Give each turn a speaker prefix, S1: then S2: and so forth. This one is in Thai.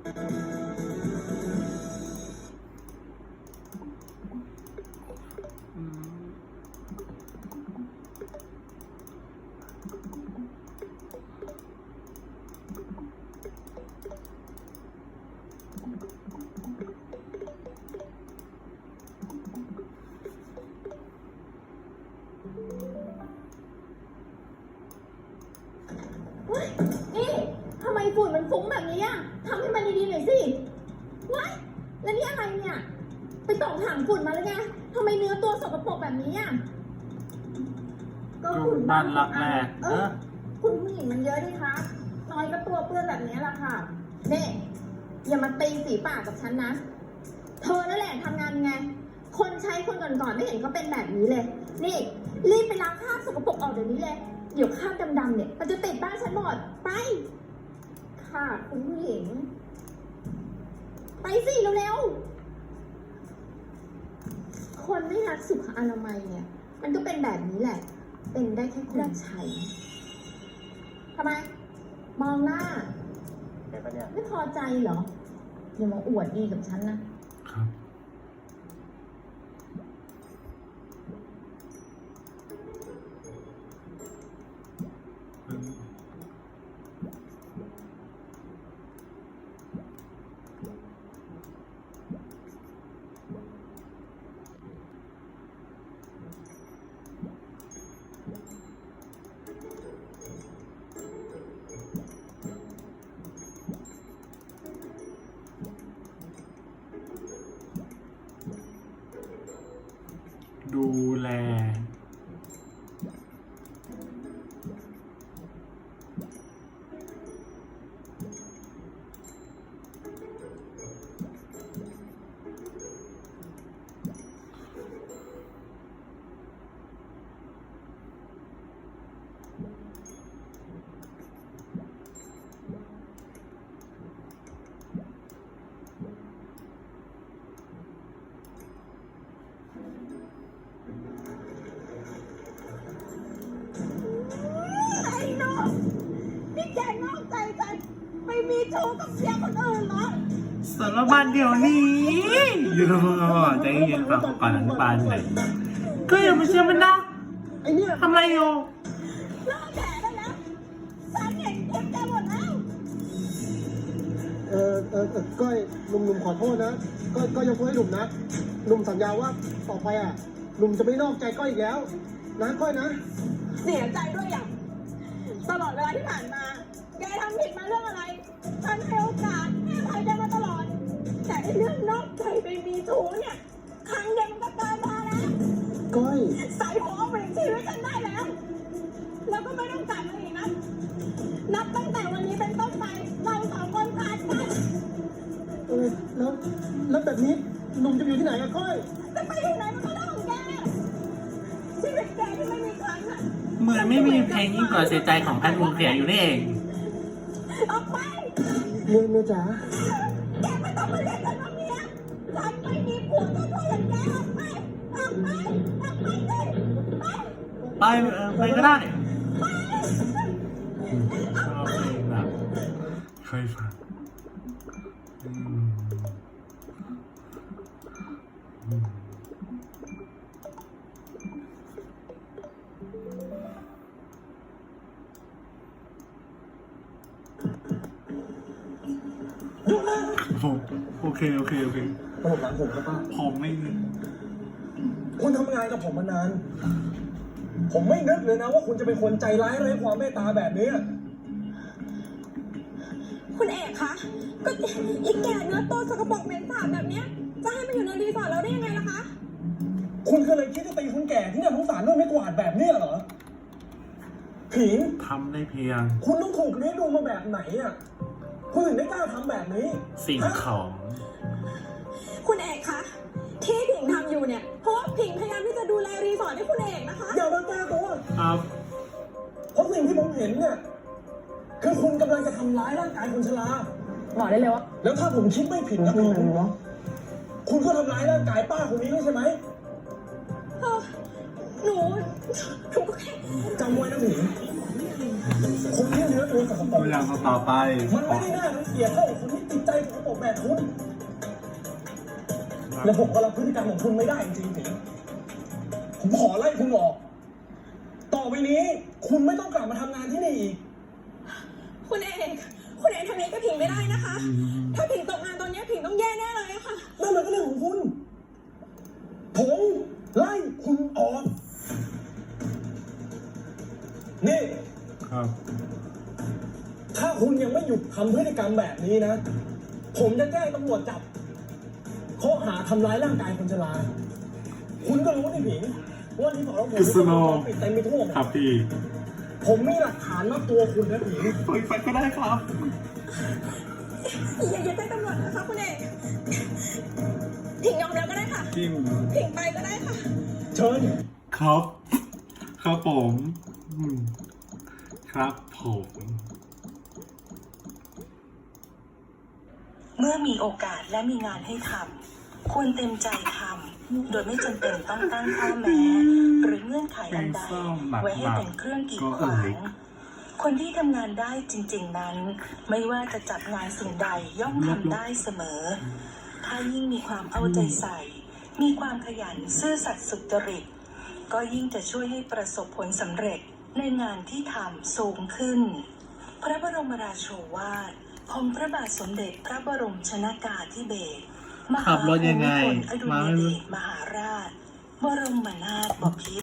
S1: นี่ทำไมฝุ่นมันฟุ้งแบบนี้อ่ะทำให้มันดีๆหน่อยสิว้ายแล้วนี่อะไรเนี่ยไปตอกถังฝุ่นมาแล้วไงทำไมเนื้อตัวสกปรกแบบนี้อ่ะก็ฝุ่นบ้านรักแรกคุณผู้หญิงมันเยอะดิคะน้อยก็ตัวเปื้อนแบบนี้แหละค่ะนี่อย่ามาตีสีปากกับฉันนะเธอนั่นแหละทำงานไงคนใช้คนก่อนๆไม่เห็นก็เป็นแบบนี้เลยนี่รีบไปล้างคราบสกปรกออกเดี๋ยวนี้เลยเดี๋ยวคราบดำๆเนี่ยมันจะติดบ้านฉันหมดไปค่ะคุณผู้หญิงไปสิเร็วๆคนไม่รักสุขอนามัยเนี่ยมันก็เป็นแบบนี้แหละเป็นได้แค่คนใช้ทำไมมองหน้าไม่พอใจเหรออย่ามาอวดดีกับฉันนะครับ
S2: ดูแล
S1: นี่แกนอกใจกันไปมีชู้กับเสียคนอื่นเหรอ
S2: สารบัญเดี๋ยวนี้อยู่ใจเย็นฟังก่อนอธิบายหน่อยก็อย่ามาเชื่อมันนะ
S3: ไอเนี่ย
S2: ทำอะไรอยู่
S1: เลิกแฉได้แล้วฉันเห็นคลิปแกหมดแล้ว
S3: ก้อยหนุ่มขอโทษนะก้อยยกโทษให้หนุ่มนะหนุ่มสัญญาว่าต่อไปอ่ะหนุ่มจะไม่นอกใจก้อยอีกแล้วนะก้อยนะ
S1: เสียใจด้วยอย่างตลอดเวลาที่ผ่านมาแกทำผิดมาเรื่องอะไรฉันให้โอกาสให้อภัยแกมาตลอดแต่เรื่องนอกใจไปมีชู้เนี่ยครั้งเดียวมันก็เกินพอแล้ว
S3: ก้อย
S1: ใส่หัวเอาไปชีวิตฉันได้แล้วแล้วก็ไม่ต้องกลับมาอีกนะนับตั้งแต่วันนี้เป็นต้นไปเราสองคนขาดกัน
S3: แล้วแบบนี้หนุ่มจะอยู่ที่ไหนอะก้อย
S1: จะไปอยู่ไหนมันก็เรื่องของแกชีวิตแกที่ไม่มีครั้งอะ
S2: เหมือนไม่มีเพลงยิ่งกว่าเสียใจของแพทย์วงเสียอยู่นี่เอง
S1: ออกไป
S3: เมียจ๋า
S1: แกไม่ต้องมาเรียกฉันว่าเมียฉันไม่มีผัวเจ้าชู้อย่างแกออกไปออกไปออกไปสิ
S2: ไปก็ได้ชอบเพลงแบบเคยฟังโอเค
S3: ผมหลังผมครับป้า
S2: ผมไม่
S3: คุณทำงานกับผมมานานผมไม่นึกเลยนะว่าคุณจะเป็นคนใจร้ายไร้ความเมตตาแบบนี้
S1: คุณเอกคะก็อีกแก่เนื้อตัวสกปรกเหม็นสาบแบบนี้จะให้มาอยู่ในรีสอร์ทเราได้ยังไงล่ะคะ
S3: คุณเคยคิดจะตีคนแก่ที่น่าสงสารด้วยไม่กวาดแบบนี้เหรอผิง
S2: ทำได้เพียง
S3: คุณต้องถูกเลี้ยงดูมาแบบไหนอ่ะคุณถึงได้กล้าทำแบบนี้
S2: สิ่งของ
S1: คุณเอกคะที่ผิงทำอยู่เนี่ยเพราะว่าผิงพยายามที่จะดูแลรีสอร์ทให้คุณเอกนะคะ
S3: อย่ามาแก้ตัว
S2: ครับ
S3: เพราะสิ่งที่ผมเห็นเนี่ยคือคุณกำลังจะทำร้ายร่างกายคุณชลา
S1: บอกได้เลยว่า
S3: แล้วถ้าผมคิดไม่ผิดนะคุณก็ทำร้ายร่างกายป้าคนนี้ด้วยใช่ไหม
S1: หนูก็แค่
S3: จำไว้นะผิงคนที่เนื้อตัวสกปรก
S2: อย่างต่อไป
S3: มันไม่ได้น่ารังเกียจเท่ากับคนที่
S4: จิตใจของผมแบบคุณและผมก็รับพฤติกรรมของคุณไม่ได้จริงๆผิงผมขอไล่คุณออก ต่อไปนี้คุณไม่ต้องกลับมาทำงานที่นี่อีก
S1: คุณเอกทำนี้กับผิงไม่ได้นะคะ ถ้าผิงตกงานตอนนี้ผิงต้องแย่แน่เลยค่ะ
S4: นั่นมันก็เรื่องของคุณ ผมไล่คุณออก นี่
S2: ครับ
S4: ถ้าคุณยังไม่หยุดทำพฤติกรรมแบบนี้นะ ผมจะแจ้งตำรวจจับข้อหาทำร้ายร่างกายคนชรา คุณก็รู้นี่ผิงว่าที่บอกว่าผม
S2: กุศโล
S4: ปิดเต็มไปทั่วหมด
S2: ครับพี่
S4: ผมมีหลักฐานมัดตัวคุณนะผิง
S2: เปิดไฟก็ได้ครับ
S1: อย่าแจ้งตำรวจนะคะคุณเอกผิงยอมแล้วก็ได้ค่ะ
S2: จริง
S1: ผิงไปก็ได้ค่ะ
S4: เชิญ
S2: ครับ ครับผมครับผม
S5: เมื่อมีโอกาสและมีงานให้ทำควรเต็มใจทำโดยไม่จำเป็นต้องตั้งข้อแม้หรือเงื่อนไขอันใดไว้ให้เป็นเครื่องกีดขวางคนที่ทำงานได้จริงๆนั้นไม่ว่าจะจับงานสิ่งใดย่อมทำได้เสมอ ถ้ายิ่งมีความเอาใจใส่ มีความขยันซื่อสัตย์สุจริตก็ยิ่งจะช่วยให้ประสบผลสำเร็จในงานที่ทำสูงขึ้น พระบรมราโชวาทของพระบาทสมเด็จพระบรมชนกาธิเบศรม
S2: ขั
S5: หา
S2: บรถยังไง
S5: ภูมิพลอดุลยเดชมหาราช บรมนาถบพิตร